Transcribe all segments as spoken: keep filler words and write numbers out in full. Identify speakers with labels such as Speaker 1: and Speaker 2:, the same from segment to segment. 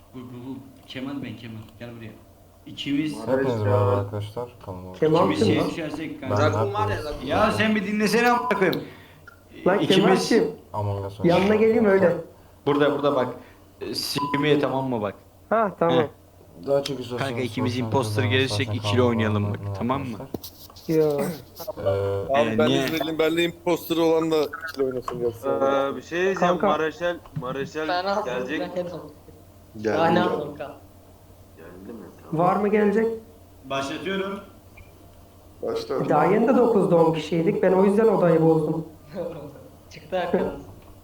Speaker 1: Bu, bu, bu. Kemal ben Kemal. Gel buraya. İkimiz
Speaker 2: Hepiniz merhaba arkadaşlar. Kanalıma
Speaker 3: Kemal
Speaker 1: ikimiz
Speaker 3: kim
Speaker 1: şeye
Speaker 3: lan?
Speaker 1: düşersek
Speaker 2: Ben
Speaker 1: kanka.
Speaker 4: Rakun var ya,
Speaker 2: Mert'le
Speaker 4: Rakun.
Speaker 1: Ya sen bir dinlesene amına koyayım.
Speaker 3: Lan Kemal
Speaker 1: İkimiz
Speaker 3: kim?
Speaker 2: Among Us
Speaker 3: Yanına
Speaker 2: oynuyoruz
Speaker 3: geleyim
Speaker 2: arkadaşlar.
Speaker 3: öyle.
Speaker 1: burada burada bak. E, Sikimiye tamam mı bak.
Speaker 3: Ha
Speaker 1: Heh.
Speaker 3: tamam.
Speaker 2: Daha çok istiyorsanız
Speaker 1: Kanka ikimiz
Speaker 2: sosyal
Speaker 1: imposter
Speaker 2: medyada
Speaker 1: gelirsek
Speaker 2: zaten
Speaker 1: ikili
Speaker 2: kanalıma
Speaker 1: oynayalım
Speaker 2: abone
Speaker 1: bak,
Speaker 2: olun
Speaker 1: tamam mı?
Speaker 2: arkadaşlar.
Speaker 3: Yo.
Speaker 2: Ee,
Speaker 5: Abi
Speaker 1: Ee,
Speaker 5: ben
Speaker 1: niye?
Speaker 5: İzmirliyim. Benle imposter olan da ikili oynasın gelsin.
Speaker 4: Ee, bir şey diyeceğim.
Speaker 3: Kanka.
Speaker 4: Mareşal, Mareşal
Speaker 6: Ben aldım.
Speaker 4: gelecek.
Speaker 6: Ben hep aldım.
Speaker 5: Geldim.
Speaker 6: Daha ne
Speaker 5: geldim.
Speaker 6: aldım kanka?
Speaker 4: Geldi mi? Tamam.
Speaker 3: Var mı gelecek?
Speaker 1: Başlatıyorum.
Speaker 5: Başla.
Speaker 3: Daha yeni de dokuzda on kişiydik. Ben o yüzden odayı bozdum.
Speaker 6: Çıktı arkadan.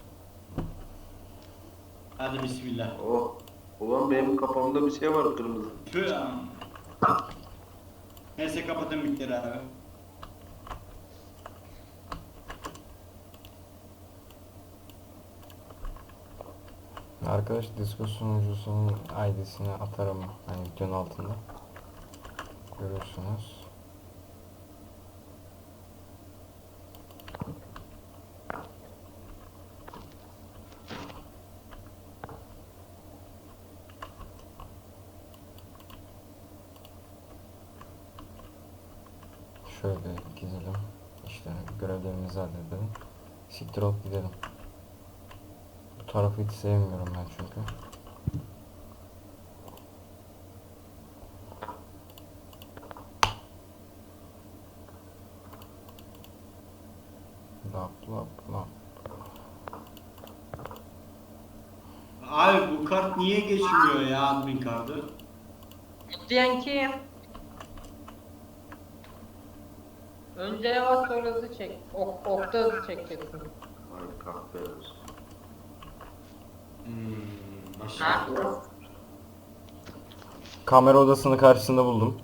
Speaker 1: Hadi bismillah.
Speaker 4: Oh. Ulan benim kafamda bir şey var kırmızı.
Speaker 1: Tüh ya. Neyse kapatın mikleri abi.
Speaker 2: arkadaş Discord sunucusunun I D'sini atarım hani videonun altında. Görürsünüz. Şöyle gidelim. İşte görevlerimizi halledelim. Siktir olup gidelim. Bu tarafı hiç sevmiyorum ben çünkü. Lap lap lap.
Speaker 1: Abi bu kart niye geçmiyor ya admin kartı?
Speaker 6: Diyen kim? Önce yavaş sonra hızlı çek. Ok, okta hızlı çekeceksin.
Speaker 4: Ay kahpe olsun.
Speaker 1: Hmm, başla.
Speaker 6: Ha?
Speaker 2: Kamera odasını karşısında buldum.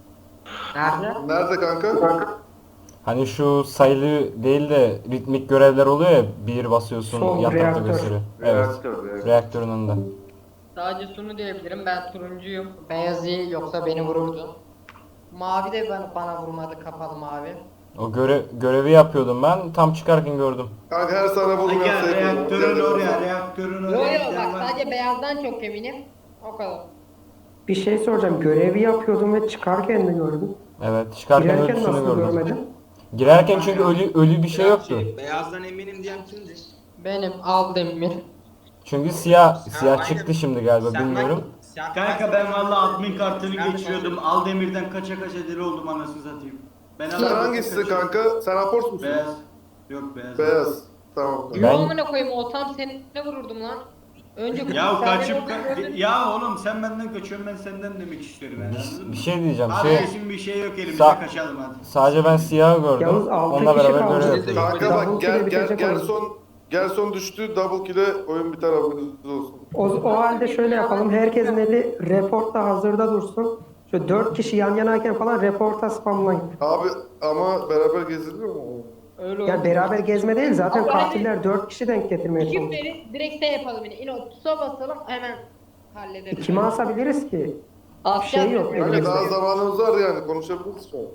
Speaker 6: Nerede?
Speaker 5: Nerede kanka?
Speaker 2: Hani şu sayılı değil de ritmik görevler oluyor ya, bir basıyorsun
Speaker 3: Sol,
Speaker 2: yan tarafta
Speaker 3: reaktör.
Speaker 2: gösteriyor. Evet.
Speaker 4: Reaktör, reaktör.
Speaker 2: Reaktörün önünde.
Speaker 6: Sadece şunu diyebilirim. Ben turuncuyum. Beyaz iyi yoksa beni vururdu. Mavi de bana, bana vurmadı. Kapalı mavi.
Speaker 2: O göre görevi yapıyordum ben. Tam çıkarken gördüm.
Speaker 5: Kanka her sana
Speaker 1: Ay
Speaker 5: bulmayan
Speaker 1: gel
Speaker 5: sayı
Speaker 1: reaktörün oraya, reaktörün
Speaker 6: Yo
Speaker 1: oraya.
Speaker 6: yo
Speaker 1: giden
Speaker 6: bak
Speaker 1: var.
Speaker 6: sadece beyazdan çok eminim. O kadar.
Speaker 3: Bir şey soracağım. Görevi yapıyordum ve çıkarken de gördüm.
Speaker 2: Evet, çıkarken
Speaker 3: Girerken
Speaker 2: ölüsünü
Speaker 3: nasıl
Speaker 2: gördüm.
Speaker 3: görmedin?
Speaker 2: Girerken çünkü ölü ölü bir şey yoktu.
Speaker 4: Beyazdan eminim diyen kimdi?
Speaker 6: Benim aldım emir.
Speaker 2: Çünkü siyah siyah çıktı şimdi galiba, bilmiyorum.
Speaker 1: Kanka ben valla admin kartını geçiyordum. Aldemir'den kaça kaça deli oldum anasını satayım. Ben
Speaker 5: Sen
Speaker 1: Aldemir'den
Speaker 5: hangisisin
Speaker 1: kaçıyorum.
Speaker 5: kanka? Sen aport musun?
Speaker 1: Beyaz. Yok beyaz.
Speaker 5: Beyaz. Tamam.
Speaker 6: Yo
Speaker 2: Ben-
Speaker 6: amına koyayım o tam seninle vururdum lan. Önce
Speaker 1: Ya
Speaker 6: sen
Speaker 1: kaçıp
Speaker 6: beni
Speaker 1: ka-
Speaker 6: öldürdün.
Speaker 1: ya oğlum sen benden kaçıyorsun ben senden demek istiyorum yani anladın
Speaker 2: Bir,
Speaker 1: mı?
Speaker 2: bir şey diyeceğim.
Speaker 1: Hadi
Speaker 2: Şey,
Speaker 1: kesin bir şey yok elimizde
Speaker 2: Sa-
Speaker 1: kaçalım hadi.
Speaker 2: sadece ben siyahı gördüm.
Speaker 3: Yalnız altı
Speaker 2: Onunla
Speaker 3: kişi
Speaker 2: beraber
Speaker 3: kaldı.
Speaker 2: görev yapıyordum.
Speaker 5: Kanka
Speaker 3: Double
Speaker 5: bak gel
Speaker 3: kill'e
Speaker 5: gel
Speaker 3: bitecek
Speaker 5: gel
Speaker 3: oyun.
Speaker 5: son gel son düştü, double kill'e oyun biter, haberiniz olsun.
Speaker 3: O, o halde şöyle yapalım. Herkesin eli reportta hazırda dursun. Şöyle dört kişi yan yanayken falan reporta spamlayın.
Speaker 5: Abi ama beraber geziliyor mu?
Speaker 6: Öyle
Speaker 3: Ya
Speaker 6: oldu.
Speaker 3: beraber gezme değil zaten
Speaker 6: Ama
Speaker 3: katiller dört kişi denk getirmeye
Speaker 6: İki
Speaker 3: çalışıyor.
Speaker 6: veri direkt şey yapalım yine. İno tusa basalım hemen hallederiz.
Speaker 3: Kime asabiliriz ki?
Speaker 6: Asya
Speaker 3: şey yok,
Speaker 6: yapıyor.
Speaker 5: Kanka daha
Speaker 3: elimizde.
Speaker 5: zamanımız var yani, konuşabiliriz şu an.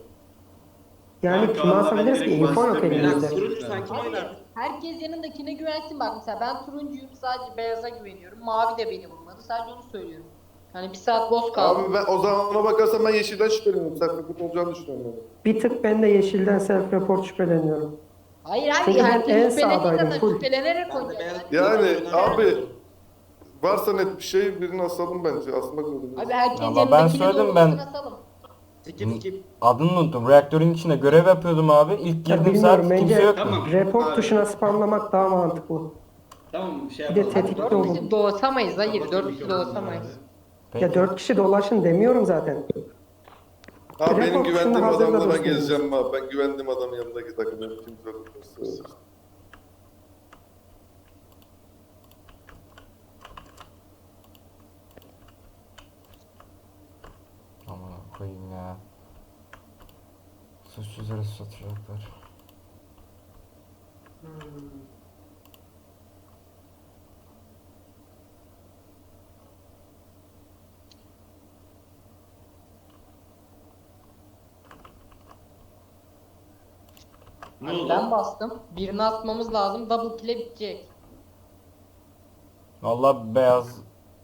Speaker 3: Yani
Speaker 1: Kanka
Speaker 3: kime
Speaker 1: vallahi
Speaker 3: asabiliriz
Speaker 1: ben
Speaker 3: ki?
Speaker 1: direkt
Speaker 3: Info yok
Speaker 1: bastım ya.
Speaker 3: elimizde.
Speaker 4: Turuncu sen kim
Speaker 6: Abi,
Speaker 4: oynar?
Speaker 6: herkes yanındakine güvensin bak mesela ben turuncuyum sadece beyaza güveniyorum. Mavi de beni vurmadı sadece onu söylüyorum. Hani bir saat boz kaldı.
Speaker 5: Abi ben o zaman ona bakarsam ben yeşilden şüpheleniyorum. Sen kötü olacağını düşünüyorum. Yani.
Speaker 3: Bir tık ben de yeşilden self report şüpheleniyorum.
Speaker 6: Hayır abi
Speaker 3: Çünkü ben en
Speaker 6: herkes şüphelendiği
Speaker 3: sağdaydım,
Speaker 6: zaman
Speaker 3: full.
Speaker 6: şüphelenerek oynayacak.
Speaker 5: Yani abi varsa net bir şey birini asalım bence. Asmak zorunda.
Speaker 6: Abi herkes
Speaker 2: Ama ben
Speaker 6: yanındakini
Speaker 2: söyledim,
Speaker 6: doğrultusuna
Speaker 2: ben-
Speaker 6: asalım.
Speaker 4: Skip skip.
Speaker 2: Adını unuttum. Reaktörün içinde görev yapıyordum abi. İlk
Speaker 3: Ya
Speaker 2: girdiğim saat
Speaker 3: bilmiyorum,
Speaker 2: kimse
Speaker 3: bence
Speaker 2: yoktu.
Speaker 1: Tamam.
Speaker 3: report
Speaker 1: Abi.
Speaker 3: tuşuna spamlamak daha mantıklı.
Speaker 1: Tamam bir şey
Speaker 3: Bir de
Speaker 1: yapalım.
Speaker 3: tetikte
Speaker 6: Dört
Speaker 3: olun.
Speaker 6: kişi doğasamayız hayır dört kişi doğasamayız.
Speaker 2: Peki.
Speaker 3: Ya dört kişi dolaşın demiyorum zaten.
Speaker 5: Abi benim
Speaker 3: Report
Speaker 5: güvendiğim
Speaker 3: şunu hazırla
Speaker 5: adamla ben
Speaker 3: dostum.
Speaker 5: gezeceğim abi. Ben güvendiğim adamın yanındaki takımı kimse olursa.
Speaker 2: Aman koyayım ya. Suçsuzları satacaklar.
Speaker 1: Ne
Speaker 6: Hani
Speaker 1: oldu?
Speaker 6: ben bastım. Birini atmamız lazım. Double kill'e bitecek.
Speaker 2: Vallahi beyaz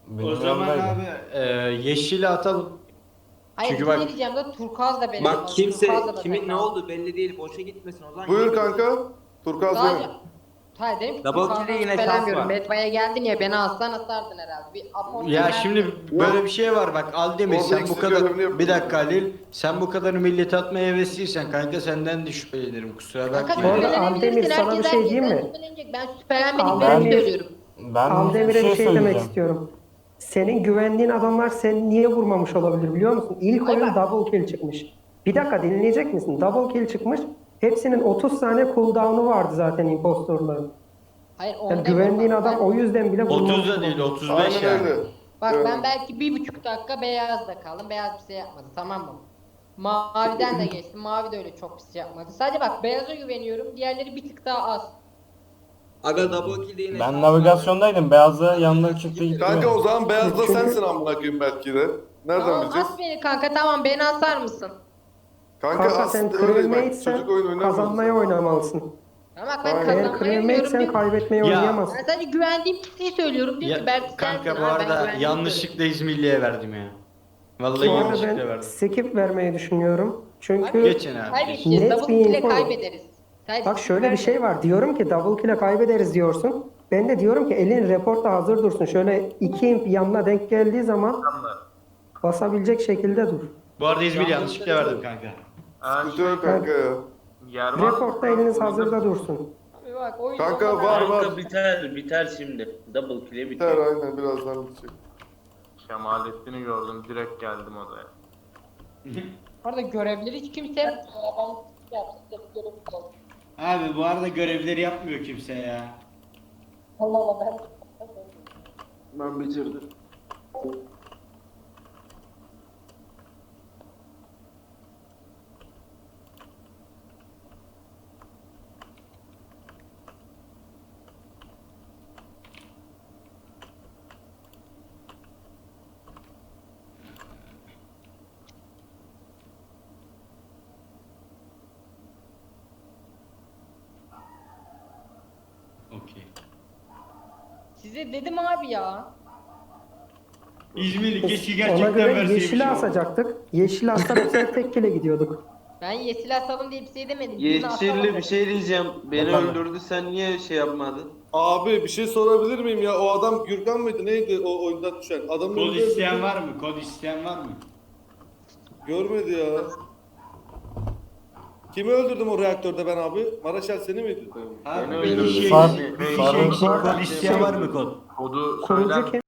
Speaker 2: benim
Speaker 1: O zaman
Speaker 2: yanımdaydı.
Speaker 1: abi e, yeşili atalım.
Speaker 6: Hayır
Speaker 1: Çünkü
Speaker 6: bir şey
Speaker 1: bak-
Speaker 6: diyeceğim de turkuaz da benim.
Speaker 7: Bak
Speaker 6: olmalı,
Speaker 7: kimse
Speaker 6: turkuaz da
Speaker 7: kimin
Speaker 6: benim
Speaker 7: ne
Speaker 6: olmalı.
Speaker 7: oldu belli değil. Boşa gitmesin o zaman.
Speaker 5: Buyur kanka. Turkuaz
Speaker 6: Sadece...
Speaker 5: benim.
Speaker 6: Hayır dedim ki
Speaker 7: Double
Speaker 6: turkuazdan
Speaker 7: kill'e yine şans
Speaker 6: şüphelenmiyorum.
Speaker 7: var.
Speaker 6: Bedva'ya geldin ya beni alsan atardın herhalde. Bir Apollo
Speaker 1: Ya
Speaker 6: geldi.
Speaker 1: şimdi böyle bir şey var bak Aldemir
Speaker 5: Orada
Speaker 1: sen bu
Speaker 5: eksik
Speaker 1: kadar
Speaker 5: görevini yapıyorsun.
Speaker 1: bir dakika Halil sen bu kadar millet atmaya hevesliysen kanka senden de şüphelenirim kusura
Speaker 6: Kanka
Speaker 1: bakma.
Speaker 3: Bu arada
Speaker 6: şüphelenebilirsin,
Speaker 3: Aldemir, sana bir
Speaker 6: herkes
Speaker 3: şey diyeyim
Speaker 6: herkesten
Speaker 3: mi?
Speaker 6: şüphelenecek. Ben şüphelenmediklerimi
Speaker 3: Aldemir-
Speaker 6: söylüyorum.
Speaker 2: Ben
Speaker 3: Aldemir'e bir şey demek
Speaker 2: söyleyeceğim.
Speaker 3: istiyorum. Senin güvendiğin adamlar seni niye vurmamış olabilir biliyor musun? İlk
Speaker 6: Ay
Speaker 3: oyun
Speaker 6: bak.
Speaker 3: double kill çıkmış. Bir dakika dinleyecek misin? Double kill çıkmış. Hepsinin otuz saniye cooldown'u vardı zaten impostorların.
Speaker 6: Hayır
Speaker 3: Yani
Speaker 6: onda
Speaker 3: güvendiğin
Speaker 6: bak,
Speaker 3: adam
Speaker 6: ben-
Speaker 3: o yüzden bile vurmamış
Speaker 1: otuz da değil
Speaker 3: olabilir.
Speaker 1: otuz beş
Speaker 5: Aynen
Speaker 1: yani.
Speaker 5: öyle.
Speaker 6: Bak
Speaker 5: Evet.
Speaker 6: ben belki bir buçuk dakika beyazda kaldım. Beyaz bir şey yapmadı tamam mı? Maviden de geçtim. Mavi de öyle çok bir şey yapmadı. Sadece bak beyaza güveniyorum. Diğerleri bir tık daha az.
Speaker 7: Aga double kill de yine şans
Speaker 2: Ben
Speaker 7: var.
Speaker 2: navigasyondaydım. Beyazda yanına çıktı gitti.
Speaker 5: Kanka o zaman beyazda
Speaker 3: Çünkü-
Speaker 5: sensin amına koyayım belki de. Nereden
Speaker 6: Tamam
Speaker 5: bileceğiz?
Speaker 6: as beni kanka tamam beni asar mısın?
Speaker 5: Kanka,
Speaker 3: Kanka sen
Speaker 5: aslında öyle bak.
Speaker 3: crewmate'sen
Speaker 5: Çocuk oyun oynamıyoruz.
Speaker 3: kazanmaya oynamalısın.
Speaker 6: Tamam bak ben
Speaker 5: Aynen.
Speaker 3: Eğer
Speaker 6: kazanmayı oynuyorum.
Speaker 3: crewmate'sen
Speaker 6: diyor-
Speaker 3: kaybetmeyi
Speaker 1: Ya.
Speaker 3: oynayamazsın.
Speaker 6: Ben sadece güvendiğim kişiyi söylüyorum. Diyor
Speaker 1: Ya,
Speaker 6: ki Berk
Speaker 1: kanka
Speaker 6: sensin
Speaker 1: bu
Speaker 6: abi, ben
Speaker 1: arada
Speaker 6: güvendiğimi
Speaker 1: yanlışlıkla İzmirli'ye verdim ya. Vallahi
Speaker 3: Bu arada
Speaker 1: yanlışlıkla
Speaker 3: ben
Speaker 1: verdim.
Speaker 3: skip vermeyi düşünüyorum. Çünkü
Speaker 6: Abi,
Speaker 1: Geçin abi.
Speaker 6: kaybedeceğiz.
Speaker 3: Net
Speaker 6: Double
Speaker 3: bir
Speaker 6: kill'e
Speaker 3: info.
Speaker 6: kaybederiz. Sadece
Speaker 3: bak şöyle bir
Speaker 6: verme.
Speaker 3: şey var. Diyorum ki double kill'e kaybederiz diyorsun. Ben de diyorum ki elin reporta hazır dursun. Şöyle iki imp yanına denk geldiği zaman basabilecek şekilde dur.
Speaker 1: Bu arada İzmir yanlışlıkla verdim kanka.
Speaker 5: Sıkıntı yok kanka ya.
Speaker 3: Reportta eliniz hazırda dursun.
Speaker 6: Abi bak oyun
Speaker 5: Kanka
Speaker 6: sonunda-
Speaker 5: var var.
Speaker 8: Kanka biter biter şimdi. Double kill'e
Speaker 5: Biter
Speaker 8: biter.
Speaker 5: aynen birazdan bitecek.
Speaker 4: Kemalettin'i gördüm direkt geldim odaya.
Speaker 6: Bu arada görevleri hiç kimse
Speaker 1: Abi bu arada görevleri yapmıyor kimse ya.
Speaker 6: Allah Allah ben
Speaker 4: Ben bitirdim.
Speaker 1: Okey.
Speaker 6: size dedim abi ya.
Speaker 1: İzmirli keşke
Speaker 3: Ona
Speaker 1: gerçekten
Speaker 3: göre
Speaker 1: verseymiş.
Speaker 3: yeşili
Speaker 1: ya.
Speaker 3: asacaktık. Yeşili assak bu sefer tek kile gidiyorduk.
Speaker 6: Ben yeşil asalım diye bir şey demedim. Birini asalım
Speaker 4: Yeşilli
Speaker 6: dedim.
Speaker 4: bir şey diyeceğim. Beni
Speaker 2: Bakalım.
Speaker 4: öldürdü sen niye şey yapmadın?
Speaker 5: Abi bir şey sorabilir miyim ya? O adam Gürkan mıydı? Neydi o oyundan düşen? Adamın
Speaker 1: Kod
Speaker 5: önünde
Speaker 1: isteyen
Speaker 5: öldürdü.
Speaker 1: var mı? Kod isteyen var mı?
Speaker 5: Görmedi ya. Kimi öldürdüm o reaktörde ben abi? Maraşel seni miydi?
Speaker 1: Abi
Speaker 4: Beni
Speaker 1: bir
Speaker 4: öldürdü.
Speaker 1: kişiye
Speaker 2: Far-
Speaker 1: bir
Speaker 2: Faruk-
Speaker 1: kişi kod isteyen var mı kod?
Speaker 4: Kodu
Speaker 3: Kurucu
Speaker 4: söyler
Speaker 3: kim?